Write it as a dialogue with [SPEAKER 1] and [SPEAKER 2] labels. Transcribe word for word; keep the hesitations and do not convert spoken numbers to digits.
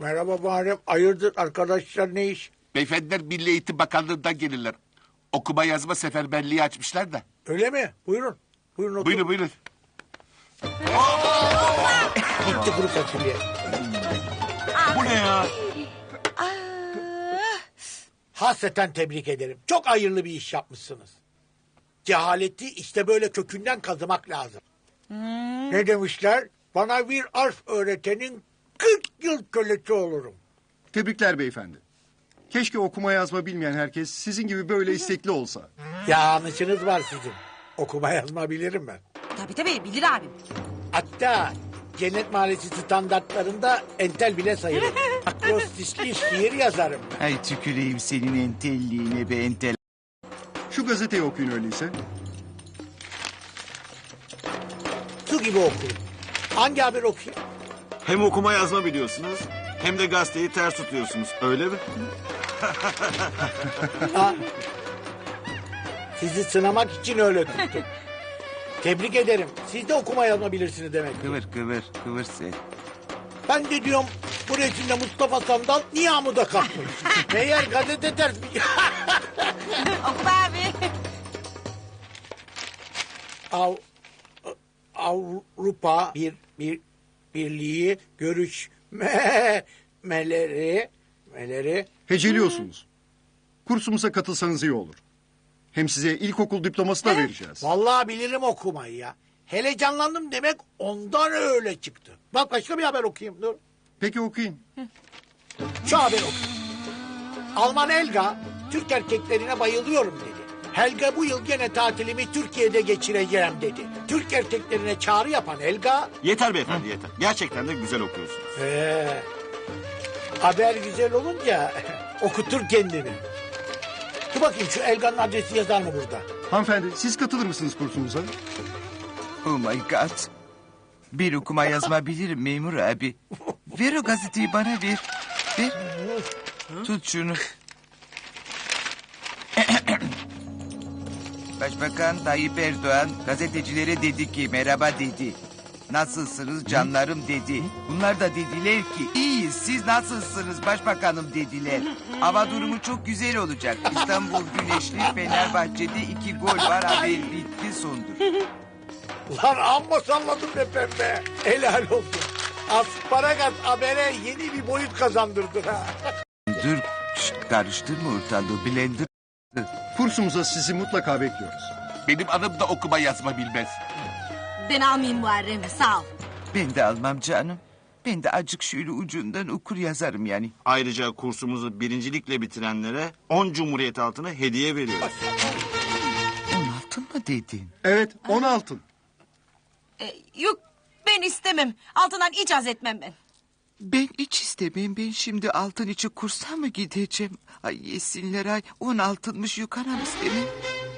[SPEAKER 1] Merhaba Muharrem. Hayırdır arkadaşlar, ne iş?
[SPEAKER 2] Beyefendiler Milli Eğitim Bakanlığı'ndan gelirler. Okuma yazma seferberliği açmışlar da.
[SPEAKER 1] Öyle mi? Buyurun. Buyurun oturun.
[SPEAKER 2] Buyurun buyurun.
[SPEAKER 1] Gitti kuru fasulye.
[SPEAKER 2] Bu ne ya?
[SPEAKER 1] Hasreten tebrik ederim. Çok hayırlı bir iş yapmışsınız. Cehaleti işte böyle kökünden kazımak lazım. Hmm. Ne demişler? Bana bir harf öğretenin kırk yıl kölesi olurum.
[SPEAKER 3] Tebrikler beyefendi. Keşke okuma yazma bilmeyen herkes sizin gibi böyle istekli olsa.
[SPEAKER 1] Yanlışınız var sizin. Okuma yazma bilirim ben.
[SPEAKER 4] Tabii tabii bilir abim.
[SPEAKER 1] Hatta Cennet Mahallesi standartlarında entel bile sayılır. Akrostisli şiir yazarım ben.
[SPEAKER 5] Ay tüküreyim senin entelliğine be entel.
[SPEAKER 3] Şu gazeteyi okuyun öyleyse.
[SPEAKER 1] Su gibi okuyun. Hangi haber okuyayım?
[SPEAKER 6] Hem okuma yazma biliyorsunuz hem de gazeteyi ters tutuyorsunuz. Öyle mi?
[SPEAKER 1] Ha, sizi sınamak için öyle tuttum. Tebrik ederim. Siz de okuma yazma bilirsiniz demek ki.
[SPEAKER 5] Kıvır kıvır kıvır sen.
[SPEAKER 1] Ben de diyorum bu resimde Mustafa Sandal niye amuda kalkmış? Meğer gazete ters bir...
[SPEAKER 4] Oku be abi.
[SPEAKER 1] Av, Avrupa bir, bir Birliği görüşmeleri meleri
[SPEAKER 3] Heceliyorsunuz. Kursumuza katılsanız iyi olur. Hem size ilkokul diploması da vereceğiz.
[SPEAKER 1] Vallahi bilirim okumayı ya. Hele canlandım demek ondan öyle çıktı. Bak başka bir haber okuyayım dur.
[SPEAKER 3] Peki okuyun.
[SPEAKER 1] Şu haber okuyayım. Alman Helga Türk erkeklerine bayılıyorum dedi. Helga bu yıl gene tatilimi Türkiye'de geçireceğim dedi. Türk erkeklerine çağrı yapan Helga...
[SPEAKER 6] Yeter beyefendi yeter. Gerçekten de güzel okuyorsunuz.
[SPEAKER 1] Ee, haber güzel olunca okutur kendini. Dur bakayım şu Helga'nın adresi yazar mı burada?
[SPEAKER 3] Hanımefendi siz katılır mısınız kursumuza?
[SPEAKER 5] Oh my god. Bir okuma yazma bilirim memur abi. Ver o gazeteyi bana ver. Ver. Tut şunu. Başbakan Tayyip Erdoğan gazetecilere dedi ki merhaba dedi. Nasılsınız canlarım dedi. Bunlar da dediler ki iyiyiz siz nasılsınız başbakanım dediler. Hava durumu çok güzel olacak. İstanbul güneşli Fenerbahçe'de iki gol var haber bitti sondur.
[SPEAKER 1] Lan amma salladım be pembe. Helal olsun. Asparagas habere yeni bir boyut kazandırdı ha.
[SPEAKER 5] Dur şşt, karıştırma ortalığı blender.
[SPEAKER 3] Kursumuza sizi mutlaka bekliyoruz.
[SPEAKER 2] Benim anım da okuma yazma bilmez.
[SPEAKER 4] Ben almayayım Muharrem'i sağ ol.
[SPEAKER 5] Ben de almam canım. Ben de acık şöyle ucundan okur yazarım yani.
[SPEAKER 6] Ayrıca kursumuzu birincilikle bitirenlere on Cumhuriyet altını hediye veriyoruz.
[SPEAKER 5] On altın mı dedin?
[SPEAKER 3] Evet on altın.
[SPEAKER 4] Ee, yok ben istemem. Altından hiç haz etmem ben.
[SPEAKER 5] Ben hiç istemem. Ben şimdi altın için kursa mı gideceğim? Ay yesinler ay. On altınmış yukarı istemem.